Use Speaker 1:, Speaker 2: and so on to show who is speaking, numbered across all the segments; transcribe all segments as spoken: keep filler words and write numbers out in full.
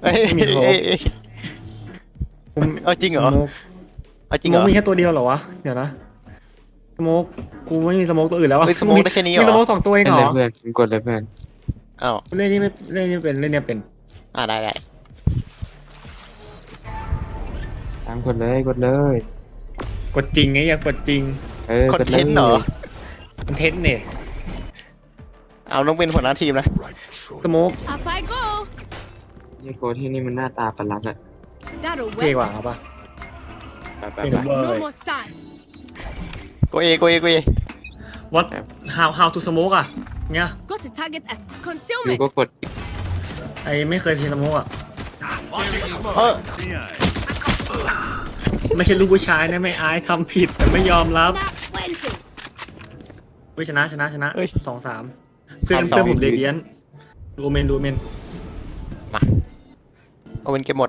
Speaker 1: ไม่มีโฮป
Speaker 2: เอาจริงเหรอเอาจริงเหรอ
Speaker 1: มีแค่ตัวเดียวเหรอวะเดี๋ยวนะสโมกกูไม่มีสโมกตัวอื่นแล้วอะ
Speaker 2: เฮ้ยสโมกได้แค่นี้เหรอ
Speaker 1: มีสโมกสองตัวเอง
Speaker 3: เล่น
Speaker 1: เหร
Speaker 3: เล
Speaker 1: อย
Speaker 3: เพื่อนกดเลยเพื่อน
Speaker 2: อ้าว
Speaker 1: เล่นนี่ไม่เล่นนี่เป็นเล่นเนี่ยเป็น
Speaker 2: อ่าได้ได้
Speaker 3: ตามกดเลยกดเลย
Speaker 1: กดจริงไงอยากกดจริง
Speaker 3: เออ
Speaker 2: คอนเทนต์เหรอ
Speaker 1: คอนเทนต์เนี่ย
Speaker 2: เอาต้องเป็นหัวหน้าทีมนะ
Speaker 1: สโมก
Speaker 4: Up I go.
Speaker 3: นี่โกที่นี่มันหน้าตาประหลาดอะ
Speaker 4: That'll
Speaker 1: เท่
Speaker 4: work.
Speaker 1: กว่าครับป่ะ
Speaker 3: ไปไป
Speaker 1: เท่
Speaker 3: ไป
Speaker 1: กว่าเบอ
Speaker 4: No
Speaker 1: ร์
Speaker 4: more stars.
Speaker 2: โกเอโกเอโกเอ
Speaker 1: what how how to smoke อ่ะเนี่ย
Speaker 4: Got to target as
Speaker 3: อยู่
Speaker 4: concealment.
Speaker 3: ก็กด
Speaker 1: ไอไม่เคยเทสโมกอ่ะ
Speaker 2: เออ
Speaker 1: ไม่ใช่ลูกผู้ชายนะไม่อายทำผิดแต่ไม่ยอมรับ
Speaker 4: Not plenty.
Speaker 1: วิชนะชนะชนะ
Speaker 2: เอ้ย
Speaker 1: สองสามเพื่อน
Speaker 2: สามสอง
Speaker 1: เพื่อนผมเรเดียนดูเมนดูเมน
Speaker 2: มาเอาเป็นเกมหมด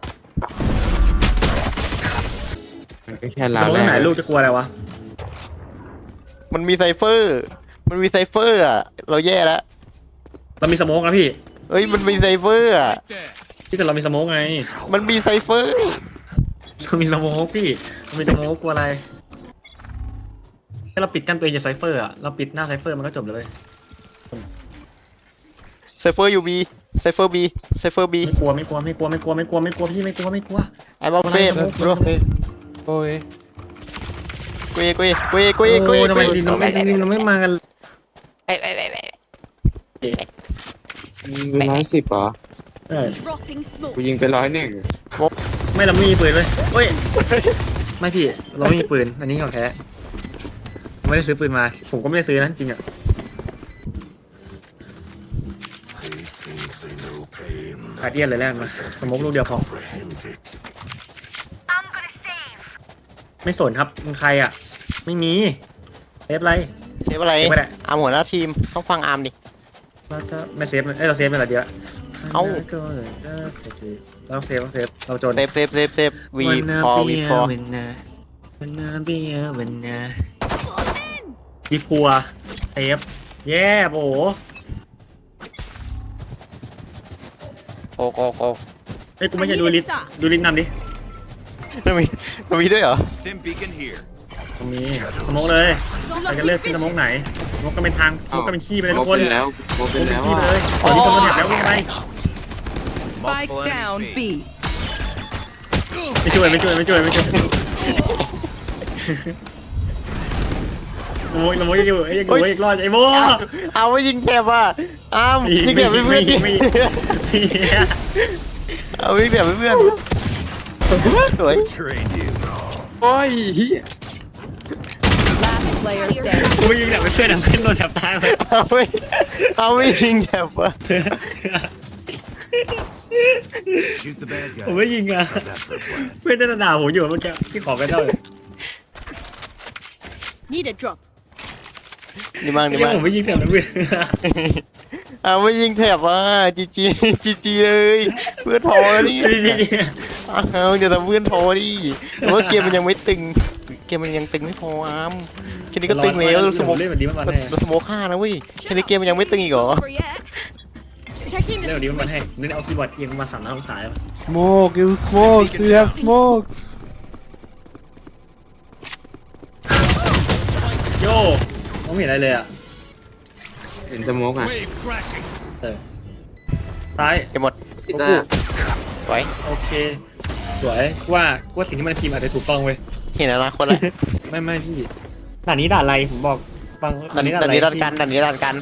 Speaker 3: มันก็แค่
Speaker 1: ส
Speaker 3: ลาม
Speaker 1: ม
Speaker 3: ว
Speaker 1: ติ
Speaker 3: แร
Speaker 1: ไหน
Speaker 3: ก
Speaker 1: ลูกจะกลัวอะไรวะ
Speaker 2: มันมีไซเฟอร์ มันมีไซเฟอร์อ่ะเราแย่แล้ว
Speaker 1: เรามีสโมกนะพี่
Speaker 2: เอ้ยมันมีไซเฟอร์อ่ะ
Speaker 1: ที่แต่เรามีสโมกไง
Speaker 2: มันมีไซเฟอร์
Speaker 1: เรามีสโมกพี่เรามีสโมกกลัวอะไรแค่เราปิดกั้นตัวเองจากไซเฟอร์อ่ะเราปิดหน้าไซเฟอร์มันก็จบเลย
Speaker 2: ไซเฟอร์ยูบีไซเฟอร์บีไซเฟอร์บี
Speaker 1: ไม่กลัวไม่กลัวไม่กลัวไม่กลัวไม่กลัวไม่กลัวพี่ไม่กลัวไม่กลัว
Speaker 2: ไอ้บอลเฟส
Speaker 1: อะไรนะ
Speaker 2: โกเอ
Speaker 3: โอ้ย
Speaker 2: โกเอโกเอโกเอโกเอโก
Speaker 1: โอ้
Speaker 2: เอ
Speaker 1: ทำไมดินเราไม่ดินเราไม่มากัน
Speaker 2: ไอ้ไอ้ไอ้ไอ้
Speaker 3: ยิงไปร้อยสิบเหรอ
Speaker 1: เออ
Speaker 4: Dropping smoke.
Speaker 3: กูยิงไปร้อยหนึ่ง
Speaker 1: ไม่เราไม่มีปืนเลยเฮ้ยไม่พี่เราไม่มีปืนอันนี้ของแท้ไม่ได้ซื้อปืนมา ผมก็ไม่ได้ซื้อนะจริงอ่ะขาดเดียนเลยแรกมาสมมติลูกเดียวพอไม่สนครับมึงใครอ่ะ ไม่มีเซฟอะไร
Speaker 2: เซฟอะไร
Speaker 1: เซฟไม่ได้
Speaker 2: อาร์มหัวหน้าทีมต้องฟังอาร์มดิ
Speaker 1: เราจะไม่เซฟเลยเอ้ยเราเซฟไปละเดียว
Speaker 2: เอ้า
Speaker 1: เราเซฟเราเซฟเราจน
Speaker 2: เซฟเซฟเซฟเซฟวีพอวีพอ
Speaker 1: วันนาวันนาเบียวันนาวีพัวเซฟแย่โบ
Speaker 2: โกโกโก
Speaker 1: เอ้ยกูไม่ใช่ดูลิสดูลิสนำดิ
Speaker 2: มันมีมันมีด้วยเหรอ
Speaker 5: Stim beacon here.
Speaker 1: ตรงนี้สมองเลยใครจะเลือกขึ้นสมองไหนสมองก็เป็นทางสมองก็เป็นขี้ไปเลยทุกคน
Speaker 3: เป็นแล้วโม
Speaker 1: ส
Speaker 3: เป็น
Speaker 1: มองเป็น
Speaker 3: แล้ว
Speaker 1: ขี้ไป
Speaker 3: อะ
Speaker 1: เลยตอนนี้สมองแถบแล้ววิ่งไป
Speaker 5: Spike down B.
Speaker 1: ไม่ช่วยไม่ช่วยไม่ช่วยไม่ช่วยโอ้ยสมองยังอยู่ไอ้ยังอยู่ไอ้รอดไอ้โบ
Speaker 2: เอาไม่ยิงแถบอ่ะอาร์มยิงแถบเพื่อนดิ
Speaker 1: ไม่
Speaker 2: เอายิงแถบเพื่อนสวย
Speaker 5: Trained you.
Speaker 3: โอ้ยเหี้ย
Speaker 6: Last player standing.
Speaker 1: กูไม่ยิงแบบไม่ช่วยนะขึ้นโดนแถบตายเลย
Speaker 2: เอาไม่เอาไม่ยิงแถบอ่ะ
Speaker 5: Shoot the bad
Speaker 1: ผม
Speaker 5: guy.
Speaker 1: ไม่ยิงอ่ะ
Speaker 5: That's the plan.
Speaker 1: เพื่อนจะด่าผมอยู่เมื่อกี้ที่ขอกันเท่าเลย
Speaker 4: Need a drop.
Speaker 2: ดีมากดี
Speaker 1: ที่
Speaker 2: มาก
Speaker 1: ผมไม่ยิงแถบนะเพื่อน
Speaker 2: เอาไม่ยิงแถบอ่ะจีจีจีจีเลยเพื่อนโทรนี่ เอาเดี๋ยวทำเพื่อนโทรดิแต่ว่าเกมมันยังไม่ตึง เกมมันยังตึงไม่พออาร์มแค่นี้ก็ตึงแล้วสโมก
Speaker 1: เล่นแบบนี้มันมันแห้ง
Speaker 2: เราสโมกฆ่านะเว้ยแค่นี้เกมมันยังไม่ตึงอีกเหรอ
Speaker 4: Over yet. Checking
Speaker 1: เล่น
Speaker 4: the
Speaker 1: แบบนี้มันแห้ง
Speaker 4: situation.
Speaker 1: เล่นเอาคีย์บอร์ดเอียงมาสามน้ำองศา
Speaker 7: Smoke, you smoke, you have smoke.
Speaker 1: โย่มองไม่เห็นอะไรเลยอ่ะ
Speaker 3: เห็นสโมกอ่ะ
Speaker 5: Wave crashing.
Speaker 1: เออซ้าย
Speaker 2: เกมหมด
Speaker 3: กีตาร์
Speaker 2: ไว้
Speaker 1: โอเคสวยว่าว่าสิ่งที่มันพิมพ์อาจจะถูกต้องเว้ย
Speaker 2: เห็นอนาคตแล้ว
Speaker 1: ไม่ไม่พี่ด่านนี้ด่านอะไรผมบอกฟัง
Speaker 2: ดันนี้ดันนี้ดันกันดันนี้ดันกัน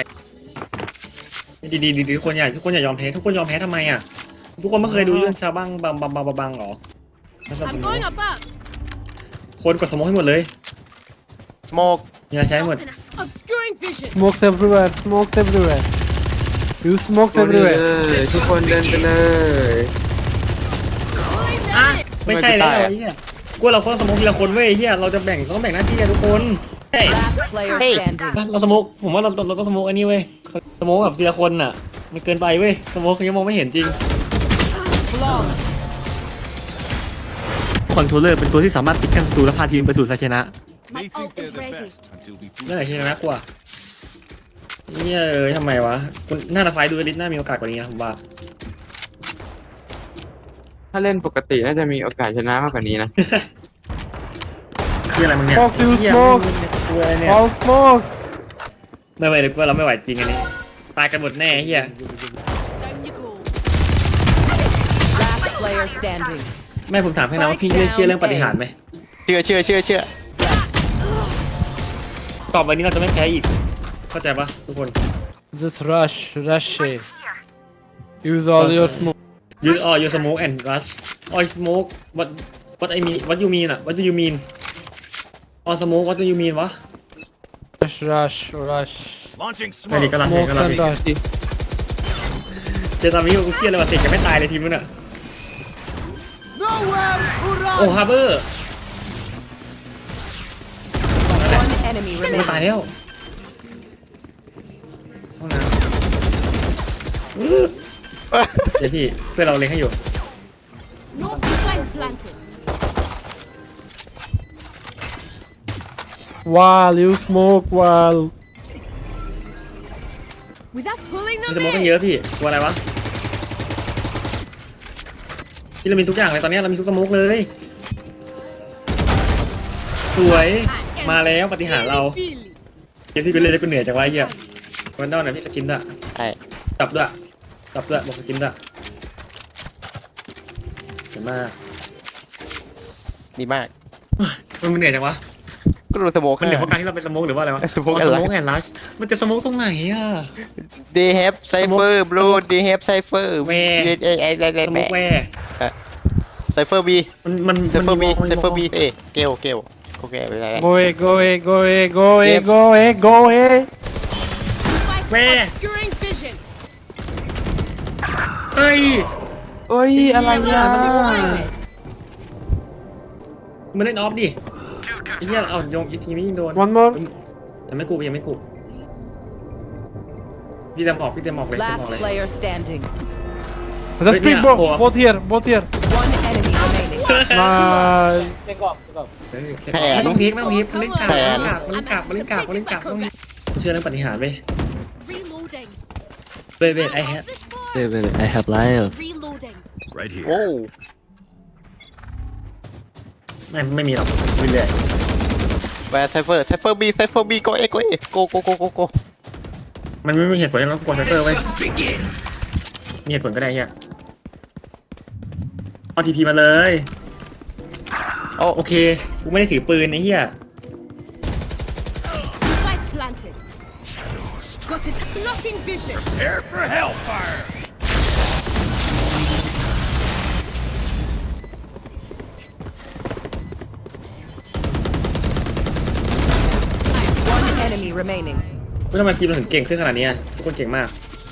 Speaker 1: ดีดีดีทุกคนอย่าทุกคนอย่ายอมแพ้ทุกคนยอมแพ้ทำไมอ่ะทุกคนไม่เคยดูเรื่องชาวบ้างบังบังบังบังบังหรอ
Speaker 4: I'm going above.
Speaker 1: คนกดสมองให้หมดเลย
Speaker 2: สโมก
Speaker 1: อย่าใช้หมด
Speaker 4: Obscuring vision.
Speaker 7: Smokes everywhere, smokes everywhere. You smokes
Speaker 3: คนเลย
Speaker 7: everywhere.
Speaker 3: ทุกคนเดินไปเลย
Speaker 4: Pulling
Speaker 1: อ่ะ
Speaker 4: them in.
Speaker 1: ไม่ใช่แล้วไอ้เหี้ยกูเราคนสมองทีละคนเว้ยเฮียเราจะแบ่งต้องแบ่งหน้าที่กันทุกคนเฮ้ย
Speaker 6: Last player standing.
Speaker 1: เราสมองผมว่าเราเราต้องสมองอันนี้เว้ยสมองแบบทีละคนอ่ะมันเกินไปเว้ยสมองเขายังมองไม่เห็นจริง
Speaker 6: Flawless.
Speaker 1: คอนโทรลเลอร์เป็นตัวที่สามารถปิดกั้นศัตรูและพาทีมไปสู่ชัยชนะ
Speaker 4: My
Speaker 5: They think
Speaker 4: ult
Speaker 5: they're
Speaker 4: is
Speaker 5: the
Speaker 4: ready.
Speaker 5: best until we prove
Speaker 1: นั่นแหละที่น่ากลัวเนี่ยเอ้ยทำไมวะคุณหน้าไฟดูลิสน่ามีโอกาสกว่านี้นะผมว่า
Speaker 3: ถ้าเล่นปกติน่าจะมีโอกาสชนะมากกว่านี้นะ
Speaker 1: คืออะไรมึงเนี่ย
Speaker 7: Smoke, you
Speaker 1: เหี้ย
Speaker 7: smoke.
Speaker 1: มึงเนี่ยกลัวอะไรเนี่ย
Speaker 7: All smokes.
Speaker 1: ไม่ไหวเลยกลัวเราไม่ไหวจริงอันนี้ตายกันหมดแน่เฮีย
Speaker 4: Down you go.
Speaker 6: Last player standing.
Speaker 1: แม่ผมถามให้นะว่าพี่เชื่อเชื่อเรื่องปาฏิหารย์ไหม
Speaker 2: เชื่อเชื่อเชื่อเชื่อ
Speaker 1: ตอบไปนี้เราจะไม่แพ้อีกเข้าใจปะทุกคน
Speaker 7: Just rush, rush it. Use all your smoke.
Speaker 1: use all your smoke and rush all smoke what what I mean what you mean อะ what do you mean all smoke what do you mean วะ
Speaker 7: Rush, rush, rush.
Speaker 5: Launching
Speaker 1: ไม่ดี
Speaker 5: smoke.
Speaker 1: ก็รับเอง
Speaker 7: Smoke
Speaker 1: ก็รับ
Speaker 7: and
Speaker 1: เอง
Speaker 7: rush.
Speaker 1: เจอตอนนี้กูเครียดเลยว่าเสกจะไม่ตายเลยทีมนู้นอะโอ้ฮาร์เบอร์
Speaker 6: One enemy
Speaker 1: ไม่ตาย
Speaker 6: remaining.
Speaker 1: แล้วห้องน้ำเดี๋ยวพี่เพื่อนเราเล็งให้อยู่
Speaker 4: No spike planted.
Speaker 7: While you smoke, while.
Speaker 4: Without pulling
Speaker 1: มัน
Speaker 4: them
Speaker 1: สโมกกัน
Speaker 4: in.
Speaker 1: เยอะพี่กลัวอะไรวะพี่เรามีทุกอย่างเลยตอนนี้เรามีทุกสโมกเลยสวยมาแล้วปฏิหารย์เรา
Speaker 4: Feel it.
Speaker 1: เดี๋ยวพี่ไปเล่นแล้วกูเหนื่อยจากไรเหี้ยวันดอนน่ะพี่สกินด้วย
Speaker 2: ใช่
Speaker 1: จับด้วยจับด้วยบอกสกินด้วยเห็นมาก
Speaker 2: ดีมาก
Speaker 1: มันเหนื่อยจังวะ
Speaker 2: ก็รู้สโมก
Speaker 1: มันเหนื่อยเพราะการที่เราเป็นสโมกหรือว่าอะไรวะ
Speaker 2: สโมก
Speaker 1: อ๋อ
Speaker 2: แอน
Speaker 1: ส
Speaker 2: ลัช
Speaker 1: โมกแอนลัชมันจะสโมกตรงไหนอ่ะ
Speaker 2: They have cipher bro They have cipher
Speaker 1: แม่
Speaker 2: ไอ้ไอ้ไอ้ไอ้
Speaker 1: สโมกแวร์
Speaker 2: Cipher B
Speaker 1: มันมัน
Speaker 2: Cipher B
Speaker 1: มัน
Speaker 2: Cipher B เอ้เกลเกลโอเคไปแล้ว
Speaker 7: Go away, go away, go away, go away,
Speaker 2: Yep.
Speaker 7: go away, go away.
Speaker 4: Spike
Speaker 1: Where?
Speaker 4: obscuring vision.
Speaker 1: เฮ้ย
Speaker 7: เอ้ยอะไรอ่ะ
Speaker 4: Blinded.
Speaker 1: มันเล่นออฟดิไอ้เหี้ยเอาโยงอีกทีนี้ยิงโดน
Speaker 7: One more.
Speaker 1: ยังไม่กูยังไม่กูพี่เต็มออกพี่เต็มออกเลยเต็มอ
Speaker 6: Last
Speaker 1: อกเลย
Speaker 6: player standing.
Speaker 7: The
Speaker 1: Wait,
Speaker 7: speed
Speaker 1: yeah,
Speaker 7: both,
Speaker 1: oh.
Speaker 7: both here, both here.
Speaker 6: One enemy remaining.
Speaker 7: Nice.
Speaker 1: เฮ้ยไม่ต้องพีคไม่ต้องพีคมันเล่นกาบมันเล่นกาบมันเล่นกาบมันเล่นกาบมันเล่นกาบต้องเชื่อเรื่องปฏิหารย์เว้ย
Speaker 4: Reloading.
Speaker 1: เว้ยเว้ยไอ้แฮะ
Speaker 8: Wait, wait, wait, I have life.
Speaker 4: Reloading.
Speaker 5: Right here.
Speaker 2: โอ้
Speaker 1: ไม่ไม่มีหรอกวินเลย
Speaker 2: แวร์ Cipher Cipher B Cipher B ก็เอก็เอโกโกโกโกโก
Speaker 1: มันไม่มีเหตุผลที่เรากลัวไซเฟอร์ไว้ยมีเหตุผลก็ได้เฮียเอาทีพีมาเลย
Speaker 2: โอ้
Speaker 1: โอเคกูไม่ได้ถือปืนไอ้เหี้ย
Speaker 4: Spike planted. Got it. Blocking vision.
Speaker 5: Prepare for hellfire.
Speaker 6: One enemy remaining.
Speaker 1: เฮ้ยทำไมทีมเราถึงเก่งขึ้นขนาดนี้อะทุกคนเก่งมาก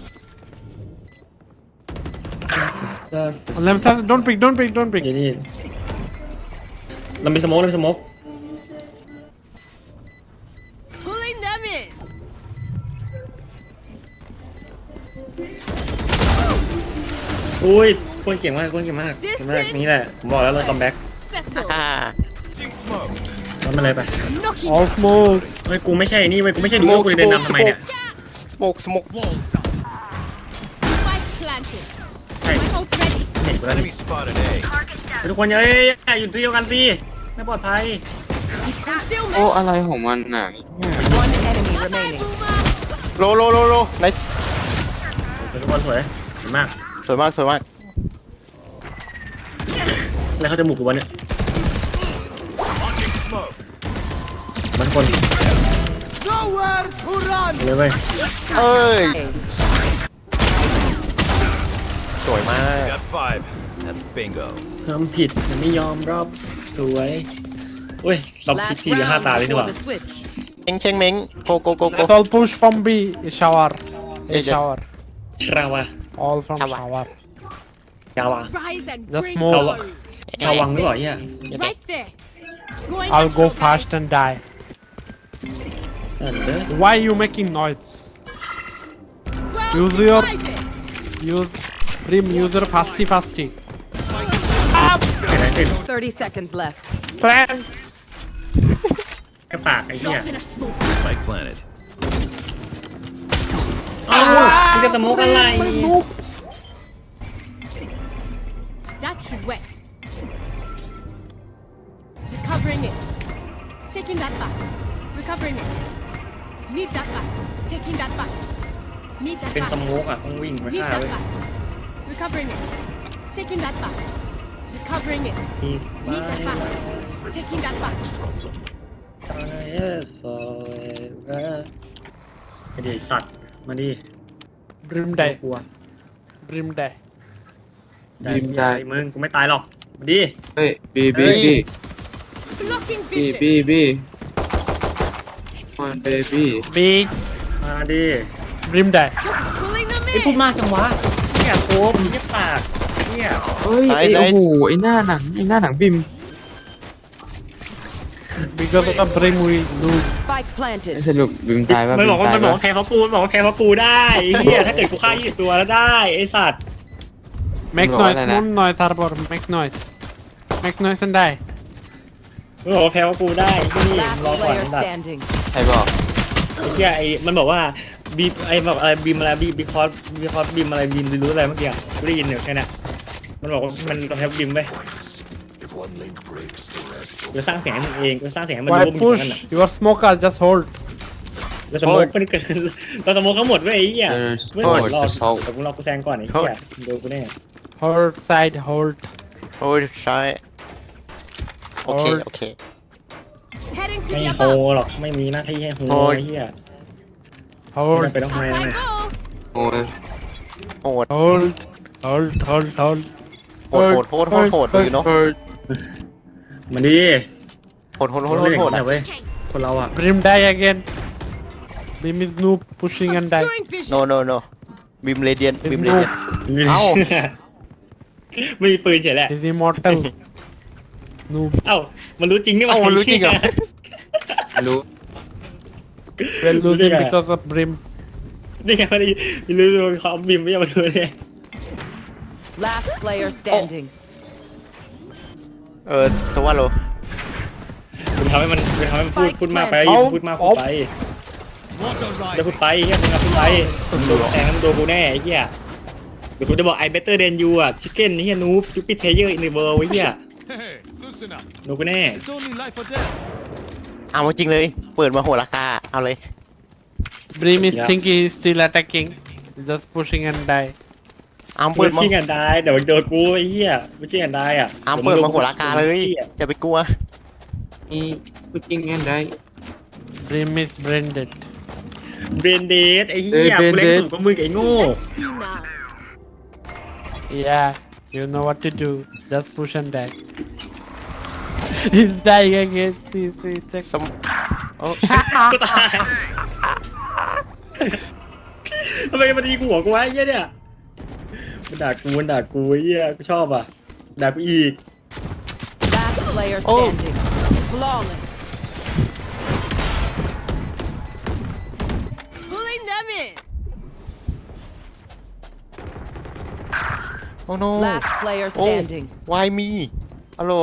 Speaker 7: Left side, don't pick, don't pick, don't pick.
Speaker 1: นี่นี่เรามีสโมกเรามีสโมก
Speaker 4: Pulling them in.
Speaker 1: อุ้ยคนเก่งมากคนเก่งมากเก่งมากนี่แหละผมบอกแล้วเราคัมแบ็ก
Speaker 4: Settle.
Speaker 2: อ่า
Speaker 5: Launching smoke.
Speaker 1: มันมาเลยไป
Speaker 4: Knocking.
Speaker 7: All smoke.
Speaker 1: เฮ้ยกูไม่ใช่นี่เว้ยกูไม่ใช่ดูว่ากูจะเดินนำทำไมเนี่ย
Speaker 2: Smoke Smoke
Speaker 4: Spike planted.
Speaker 1: Hey.
Speaker 4: My ult's ready.
Speaker 1: เห็นกูแล้วนี่
Speaker 5: Enemy spotted A.
Speaker 1: ทุกคนเอ้ยอยู่ที่เดียวกันสิไม่ปลอดภัย
Speaker 4: Concealment.
Speaker 3: โอ้อะไรของมันน่ะ
Speaker 6: One enemy
Speaker 4: Bye-bye,
Speaker 6: remaining.
Speaker 4: Boomer.
Speaker 2: โลโลโลโล nice
Speaker 1: สวยทุกคนสวยสวยมาก
Speaker 2: สวยมากสวยมาก
Speaker 1: แล้วเขาจะหมุกกูวะเนี่ย
Speaker 5: Launching smoke.
Speaker 1: มันคนเลยเว้ย
Speaker 2: เอ้ยสวยมาก
Speaker 5: Got five. That's bingo.
Speaker 1: ทำผิดแต่ไม่ยอมรับสวยอุ้ยเราผิด
Speaker 6: Last
Speaker 1: ทีเดียวห้า
Speaker 6: round
Speaker 1: ตาเลยดีก
Speaker 6: before
Speaker 1: ว่า
Speaker 6: the switch.
Speaker 2: เชงเชงเม้งโกโกโกโก
Speaker 7: Let's all push from B. Shower. A
Speaker 2: Yeah, just-
Speaker 7: shower.
Speaker 1: ชาวะ
Speaker 7: All from
Speaker 2: Shower.
Speaker 7: shower.
Speaker 1: ชาวะ
Speaker 4: Rise and
Speaker 7: Just
Speaker 4: bring
Speaker 7: move.
Speaker 4: down.
Speaker 1: ชาวังหรือเปล่าเนี่ย
Speaker 4: Right there. Going
Speaker 7: I'll
Speaker 4: up,
Speaker 7: go
Speaker 4: guys.
Speaker 7: fast and die.
Speaker 1: เออเด้อ
Speaker 7: Why you making noise?
Speaker 4: Well
Speaker 7: Use your-
Speaker 4: divided.
Speaker 7: Use Prim user fasty fasty.
Speaker 1: เกิดอะไรขึ้น
Speaker 6: Thirty seconds left.
Speaker 7: Plan.
Speaker 1: กระปากไอ้เหี้ย
Speaker 4: Drop in a smoke.
Speaker 5: Spike planted.
Speaker 1: อ้าวมึงจะสโมกอะไร
Speaker 4: That That should work. Recovering it. Taking that back. Recovering it. Need that back. Taking that back. Need that
Speaker 1: เป็นส
Speaker 4: back.
Speaker 1: โมกอ่ะต้องวิ่งไป
Speaker 4: Need
Speaker 1: ฆ่า
Speaker 4: that
Speaker 1: เลย
Speaker 4: back. Recovering it. Taking that back. Recovering it.
Speaker 1: He's
Speaker 4: Need that back.
Speaker 1: mine
Speaker 4: Taking that back.
Speaker 1: forever ไอเด็กสัตว์มาดิ
Speaker 7: Brim
Speaker 1: ไม่
Speaker 7: die.
Speaker 1: กลัว
Speaker 7: Brim die.
Speaker 1: ได้ที่อะไรมึงกูไม่ตายหรอกมาดิ
Speaker 3: เฮ้ยบีบี
Speaker 2: เฮ้ย
Speaker 3: บี
Speaker 4: Blocking
Speaker 3: บี
Speaker 4: vision.
Speaker 3: บีบีมันเบบี้
Speaker 7: B.
Speaker 1: มาดิ
Speaker 7: Brim die.
Speaker 4: Pulling them
Speaker 1: ไอพูด
Speaker 4: in.
Speaker 1: มากจังวะเนี่ยโคมเนี่ยปากเนี่ย
Speaker 3: เฮ้ย
Speaker 2: ไหน
Speaker 3: ไอ้
Speaker 2: ไหน
Speaker 3: โอ้โหไอ้หน้าหนังไอ้หน้าหนังบิม
Speaker 7: Because of the Brim we lose.
Speaker 6: Spike planted.
Speaker 3: สรุปบิมตายป่ะ
Speaker 1: มัน
Speaker 3: บิ
Speaker 1: บอก
Speaker 3: ม
Speaker 1: ว่า
Speaker 3: ตาย
Speaker 1: มันบอก
Speaker 3: ป่ะ
Speaker 1: ว่าแพ้เพราะปูมันบอกว่าแพ้เพราะปูได้ไอ้เหี้ยถ้าเกิดกูฆ่ายี่สิบตัวแล้วได้ไอสัตว์
Speaker 7: Make
Speaker 3: Bro,
Speaker 7: noise,
Speaker 3: wala na.
Speaker 7: more noise, Harbor. Make noise. Make noise and die.
Speaker 1: มันบอกว่าแพ้เพราะปูได้ที่นี่
Speaker 6: Last
Speaker 1: รอก่อน
Speaker 6: player
Speaker 1: สัตว์
Speaker 6: standing.
Speaker 3: ใครบอก
Speaker 1: ไอ้เหี้ยไอ้มันบอกว่าบีไอ้แบบอะไรบีมอะไรบีบีคอสบีคอสบีมอะไรบีมรู้อะไรเมื่อกี้อะกูได้ยินอยู่แค่นั้นมันบอกว่ามันกำแพงบีมไปกูสร้างเสียงให้มึงเองกูสร้างเสียงให้มันรู้
Speaker 7: Why
Speaker 1: ว่ามึงอยู่ตรง
Speaker 7: push?
Speaker 1: นั้นน่ะ
Speaker 7: Your smoker just hold.
Speaker 1: เราสโมกมันเกินเราสโมกเขาหมดเว้ยไอ้เหี้ย
Speaker 3: เออ
Speaker 1: ไม่หมดรอ
Speaker 3: จะเศร้า
Speaker 1: แต่กูรอกูแซงก่อนไอ้เหี้ยโดนกูแน่
Speaker 7: Hold side, hold.
Speaker 2: โอ้ยใช่โอเค โอเค
Speaker 4: Heading to
Speaker 1: ไม่
Speaker 4: the
Speaker 1: โฮ
Speaker 4: above.
Speaker 1: หรอกไม่มีหน้าที่ให้โฮ
Speaker 2: โฮ
Speaker 1: ไอ้เหี้ยไม่
Speaker 7: Hold.
Speaker 1: จำเป็นต้อง
Speaker 4: Up
Speaker 1: ให้
Speaker 4: I
Speaker 1: นะ
Speaker 4: go.
Speaker 3: โอ้ย
Speaker 2: โหด
Speaker 7: Hold. Hold, hold, hold.
Speaker 2: โหดโหดโหดโหดโหดดูอยู่เนาะ
Speaker 3: เฮ้ย
Speaker 1: มันดี
Speaker 2: โหดโหดโหดโห
Speaker 1: เรา
Speaker 2: ด
Speaker 1: เล่น
Speaker 2: โห
Speaker 1: อย่า
Speaker 2: ด
Speaker 1: งนี้เว้ยคนเราอ่ะ
Speaker 7: Brim die again. Brim is noob, pushing and die.
Speaker 4: Obscuring vision.
Speaker 2: โนโนโนบิมเรเดียนบิมเรเดียน เอ้า
Speaker 1: ไม่มีปืนเฉยแหละ
Speaker 7: He's immortal. Noob.
Speaker 1: เอ้ามันรู้จริงนี่
Speaker 2: เอ้ามันรู้จริงเหรอ
Speaker 3: ไม่รู้
Speaker 7: We're losing
Speaker 1: Look at-
Speaker 7: because of Brim.
Speaker 1: นี่ไงมันรู้รู้เขาเอาบิมไม่ยอมมาดูเลย
Speaker 6: Last player standing.
Speaker 2: เออสวัสดี
Speaker 1: คุณทำให้มันคุณทำให้มันพูดพูดมากไป
Speaker 7: เอา
Speaker 1: พูดมากพูดไปจะพูดไปเฮียมึงอะพูดไปโดนแทงแล้วมึงโดนกูแน่ไอ้เหี้ยเดี๋ยวกูจะบอก I better than you อ่ะ chicken เฮีย noob stupid player in the world ไอ้เหี้ย
Speaker 5: Hey, loosen up.
Speaker 1: โดนกูแน่
Speaker 5: It's only life or death.
Speaker 2: เอาจริงเลย เปิดมาโหดราคา เอาเลย
Speaker 7: Brim is
Speaker 1: Yeah.
Speaker 7: thinking he's still attacking. He's just pushing and die.
Speaker 2: เอา
Speaker 1: เปิ
Speaker 2: เปิ
Speaker 1: ด
Speaker 2: ดมา
Speaker 1: ชิงกันได้เดี๋ยวโดนกูไอ้เหี้ยไม่ชิงกันได้อ่ะ
Speaker 2: เอาเปิดมาโหดราคาเลยอย่าไปกลัว
Speaker 3: อีกูจริงแอนได้
Speaker 7: Brim is branded.
Speaker 1: เบรนเดสไอ้เหี้ย
Speaker 3: เออ
Speaker 1: กูเล่น
Speaker 3: Brain Dead
Speaker 1: สูงกว่ามึงไอ้โง่
Speaker 4: Let's see now.
Speaker 7: Yeah, you know what to do. Just push and die. He's dying again. See, see, check.
Speaker 2: สมโอ้
Speaker 1: กูตายทำไมมันดีกูหัวกูวะไอ้เหี้ยเนี่ยมันด่ากูมันด่ากูไอ้เหี้ยกูชอบอ่ะด่ากูอีก
Speaker 6: Last player
Speaker 2: Oh.
Speaker 6: standing. Flawless.
Speaker 4: Pulling them in.
Speaker 2: โอ้โน
Speaker 6: Last player
Speaker 2: โอ้
Speaker 6: standing.
Speaker 2: why me ฮัลโหล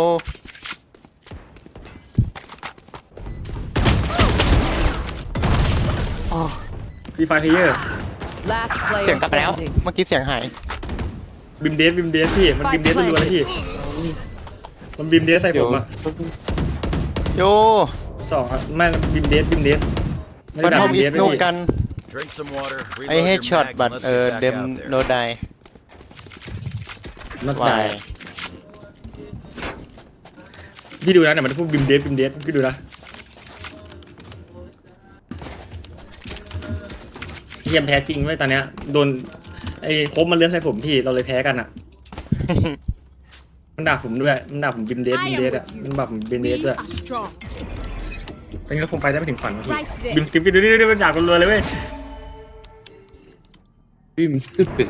Speaker 1: ฟรีไฟเพลเยอร์
Speaker 6: Last
Speaker 2: เสีย
Speaker 6: player
Speaker 2: งกลับไปแล้ว
Speaker 6: standing.
Speaker 2: เมื่อกี้เสียงหาย
Speaker 1: บิมเดสบิมเดสพี่มันบิมเดสรัวๆเลยพี่มันบิมเดสใส่ผมอ่ะ
Speaker 2: โย
Speaker 1: สองอ่ะไม่บิมเดสบิมเดสไม่
Speaker 2: ฟัน
Speaker 1: ได้
Speaker 2: ท
Speaker 1: ด่า
Speaker 2: อม
Speaker 1: บิม
Speaker 2: อิ
Speaker 1: เด
Speaker 2: ส
Speaker 1: ส
Speaker 2: โน
Speaker 1: พี่
Speaker 2: กัน
Speaker 5: Drink some water.
Speaker 2: ไอ
Speaker 5: Reload
Speaker 2: เฮ
Speaker 5: your
Speaker 2: ดช็อต
Speaker 5: mags
Speaker 2: บัต
Speaker 5: and let's
Speaker 2: เออ
Speaker 5: get
Speaker 2: เด
Speaker 5: back
Speaker 2: ม
Speaker 5: out
Speaker 2: โน
Speaker 5: there.
Speaker 2: ได
Speaker 1: นัด
Speaker 2: วา
Speaker 1: ตาย
Speaker 2: ย
Speaker 1: พี่ดูนะแต่มันพูดบิมเดสบิมเดสพี่ดูนะเทียมแพ้จริงไว้ยตอนเนี้ยโดนไอ้โคบมันเลื่อนใส่ผมพี่เราเลยแพ้กันอ่ะ มันด่าผมด้วยมันด่าผมบิมเดส
Speaker 4: I
Speaker 1: บิม
Speaker 4: am
Speaker 1: เดส
Speaker 4: with
Speaker 1: อ่ะ
Speaker 4: you.
Speaker 1: มันแบบผมบิมเด
Speaker 4: We
Speaker 1: สด้วย
Speaker 4: are strong.
Speaker 1: ตอนนี้เราคงไปได้ไม่ถึงฝันวะพี่
Speaker 4: Right there.
Speaker 1: บิมสติปดูดิดูดิมันด่ากันรัวเลยเว้ย
Speaker 3: บิมสตูปิด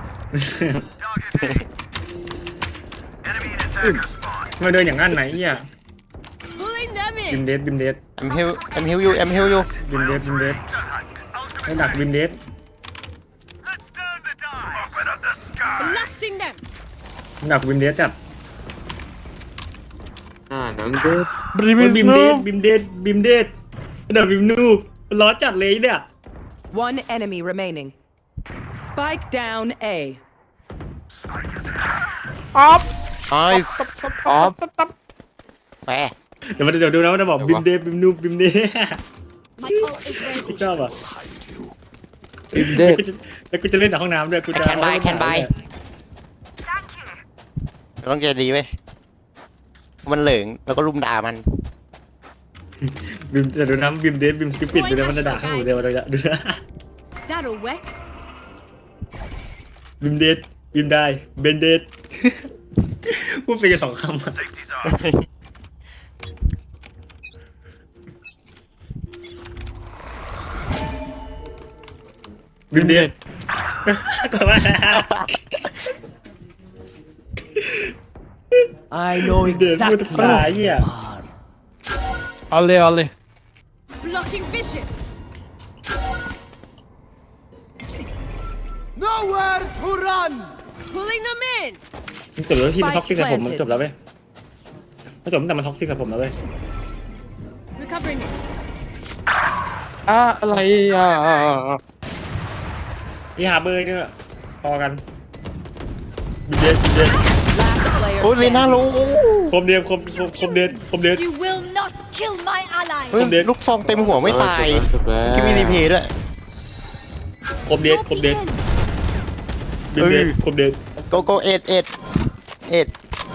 Speaker 1: มาเดินอย่างนั้นไหนอ่ะ
Speaker 4: Pulling them
Speaker 1: บิม
Speaker 4: in.
Speaker 1: เดสบิมเดส
Speaker 2: แอมฮิวแอมฮิวยูแอมฮิวยู
Speaker 1: บิมเดสบิมเดสไม่ดักบิมเดส
Speaker 4: Blasting them.
Speaker 1: มันดักบิมเดสจัด
Speaker 3: อ่าหนังเด็ด
Speaker 7: Brim
Speaker 1: บิ
Speaker 7: is
Speaker 1: มเดส
Speaker 7: noob.
Speaker 1: บิมเดสบิมเดสดักบิมนูบร้อนจัดเลยเนี่ย
Speaker 6: One enemy remaining. Spike down A.
Speaker 7: Up.
Speaker 2: ไอ้
Speaker 3: อ๋อ
Speaker 2: แปะ
Speaker 1: เดี๋ยวมันเดี๋ยวดูนะมันจะบอกบิมเดบิมนูบิมเด
Speaker 4: My ult is ready.
Speaker 1: ชอบอ่ะ
Speaker 3: บิมเด็ก
Speaker 1: แล้วกูจะเล่นแต่ห้องน้ำด้วยกูจะ
Speaker 2: แคนบายแคนบายต้องใจดีเว้ยมันเหลิงแล้วก็รุมด่ามัน
Speaker 1: บิมจะดูน้ำบิมเดบิมสปิดดูนะมันจะด่าข้างหูเดียวเราจะดูนะ
Speaker 4: That'll work.
Speaker 1: บิมเดบิมได้เบนเดดพูดไปกันสองคำอะบิมเดดก็ว่า
Speaker 8: I know
Speaker 1: เดดพูดตายเหี้ย
Speaker 7: Ollie, Ollie.
Speaker 4: Blocking vision.
Speaker 5: Nowhere to run!
Speaker 4: Pulling them in.
Speaker 1: มันจบแล้วที่มันท็อกซิกกับผมมันจบแล้วเว้ยมันจบตั้งแต่มันท็อกซิกกับผมแล้วเว้ย
Speaker 4: Recovering it.
Speaker 3: อ่ะอะไรอ่ะ
Speaker 1: นี่หาเบอร์เนี่ยพอกันบิมเดบิมเด
Speaker 6: Last player
Speaker 2: โอ้ยเลน่า
Speaker 6: standing.
Speaker 2: รู้
Speaker 1: คมเดียบคมคมคมเดดคมเดด
Speaker 4: You will not kill my ally.
Speaker 2: เฮ้ย
Speaker 1: ผมเด็ด
Speaker 2: ลูกซองเต็มหัวไม่ตาย
Speaker 3: จบแล้ว
Speaker 2: ที่มีรีเพย์ด้วย
Speaker 1: คมเดดคมเดดบิมเดดคมเดด
Speaker 2: โกโกเอ็ดเอ็ดเอ็ด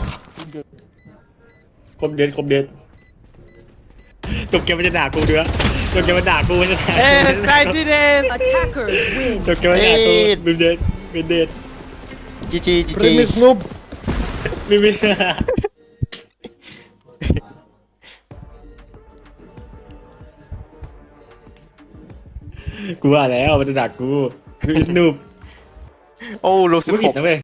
Speaker 1: คมเดดคมเดดจบเกมมันจะด่ากูเดือจบเกมมันด่ากูมันจะด่า
Speaker 7: Hey, ninety days.
Speaker 6: Attackers win.
Speaker 1: จบเกมมันด่ากูบิมเดดบิมเดด
Speaker 2: จีจีจีจี
Speaker 7: Remix noob.
Speaker 1: บิมเดดกูว่าแล้วมันจะด่ากูคือสนุป
Speaker 2: โอ้ลูกสิบ
Speaker 1: ไม่
Speaker 2: ห
Speaker 1: ผิด
Speaker 2: ก
Speaker 1: นะเว้ย